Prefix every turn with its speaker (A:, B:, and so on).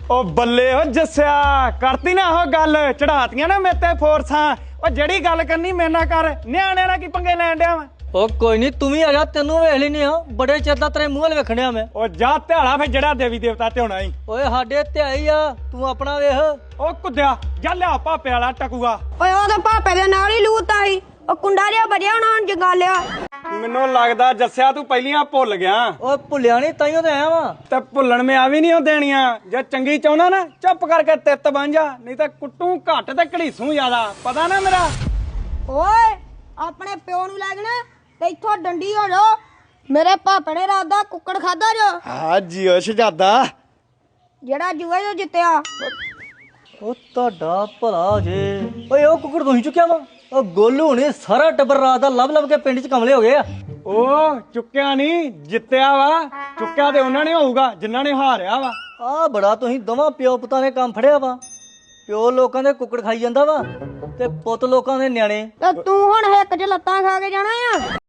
A: ਉਹ ਬੱਲੇ ਓ ਜੱਸਿਆ ਕਰਤੀ ਨਾ ਉਹ ਗੱਲ ਚੜਾਤੀਆਂ ਨਾ ਮੇਰੇ ਤੇ ਫੋਰਸਾਂ। ਉਹ ਜਿਹੜੀ ਗੱਲ ਕਰਨੀ ਮੇਰੇ ਨਾਲ ਕਰ, ਨਿਆਣਿਆਂ ਨਾਲ ਕੀ ਪੰਗੇ ਲੈਣ ਡਿਆ ਵਾ।
B: ਉਹ ਕੋਈ ਨਹੀਂ ਤੂੰ ਵੀ ਆ ਜਾ, ਤੈਨੂੰ ਵੇਖ ਲੈਨੇ ਆ। ਬੜੇ ਚਿਰ ਦਾ ਤੇਰੇ ਮੂੰਹ ਵੱਲ ਵੇਖਣਿਆ ਮੈਂ।
A: ਉਹ ਜਾ ਧਿਆਲਾ ਫੇ ਜਿਹੜਾ ਦੇਵੀ ਦੇਵਤਾ ਤੇ ਹੋਣਾ ਈ।
B: ਓਏ ਸਾਡੇ ਧਿਆਈ ਆ, ਤੂੰ ਆਪਣਾ ਵੇਖ।
A: ਉਹ ਕੁੱਦਿਆ ਜਾ ਲਿਆ ਭਾਪੇ ਵਾਲਾ ਟਕੂਆ।
C: ਓਏ ਉਹਦੇ ਭਾਪੇ ਦੇ ਨਾਲ ਹੀ ਲੂਤਾ ਸੀ। ਉਹ ਕੁੰਡਾ ਜਿਹਾ ਬਜਿਆ ਉਹਨਾਂ ਨੂੰ ਜਗਾ ਲਿਆ।
A: ਮੈਨੂੰ ਲੱਗਦਾ ਜੱਸਿਆ ਤੂੰ ਪਹਿਲੀਆਂ ਭੁੱਲ ਗਿਆ।
B: ਓਏ ਭੁੱਲਿਆ ਨਹੀਂ, ਤਾਈਓ ਤੇ ਆਇਆ ਵਾਂ।
A: ਤੇ ਭੁੱਲਣ ਮੈਂ ਆ ਵੀ ਨਹੀਂ ਉਹ ਦੇਣੀਆਂ। ਜੇ ਚੰਗੀ ਚਾਹੁੰਦਾ ਨਾ ਚੁੱਪ ਕਰਕੇ ਤਿੱਤ ਬਣ ਜਾ, ਨਹੀਂ ਤਾਂ ਕੁੱਟੂ ਘੱਟ ਤੇ ਘੜੀਸੂ ਜ਼ਿਆਦਾ, ਪਤਾ ਨਾ ਮੇਰਾ।
C: ਓਏ ਆਪਣੇ ਪਿਓ ਨੂੰ ਲੈ ਜਾਣਾ ਤੇ ਇੱਥੋਂ ਡੰਡੀ ਹੋ ਜਾ। ਮੇਰੇ ਭਾਪੇ ਨੇ ਰਾਤ ਦਾ ਕੁੱਕੜ ਖਾਦਾ ਜੋ।
A: ਹਾਂ ਜੀਓ ਸ਼ਹਜ਼ਾਦਾ।
C: ਜਿਹੜਾ ਜੂਏ ਜੋ ਜਿੱਤਿਆ।
B: ਉਹ ਤੁਹਾਡਾ ਭਲਾ ਜੇ। ਓਏ ਉਹ ਕੁੱਕੜ ਤੁਸੀਂ ਚੁੱਕਿਆ ਵਾ? ਉਹ ਗੋਲੂ ਨੇ ਸਾਰਾ ਟੱਬਰ ਰਾਤ ਦਾ ਲੱਭ ਲੱਭ ਕੇ ਪਿੰਡ 'ਚ ਕਮਲੇ ਹੋ ਗਏ ਆ।
A: ਉਹ ਚੁੱਕਿਆ ਨਹੀਂ ਜਿੱਤਿਆ ਵਾ। ਚੁੱਕਿਆ ਤੇ ਉਹਨਾਂ ਨੇ ਹੋਊਗਾ ਜਿਨ੍ਹਾਂ ਨੇ ਹਾਰਿਆ ਵਾ।
B: ਆ ਬੜਾ ਤੁਸੀਂ ਦੋਵਾਂ ਪਿਓ ਪੁੱਤਾਂ ਨੇ ਕੰਮ ਫੜਿਆ ਵਾ। ਪਿਓ ਲੋਕਾਂ ਦੇ ਕੁੱਕੜ ਖਾਈ ਜਾਂਦਾ ਵਾ ਤੇ ਪੁੱਤ ਲੋਕਾਂ ਦੇ ਨਿਆਣੇ।
C: ਤੇ ਤੂੰ ਹੁਣ ਹਿੱਕ 'ਚ ਲੱਤਾਂ ਖਾ ਕੇ ਜਾਣਾ ਆ।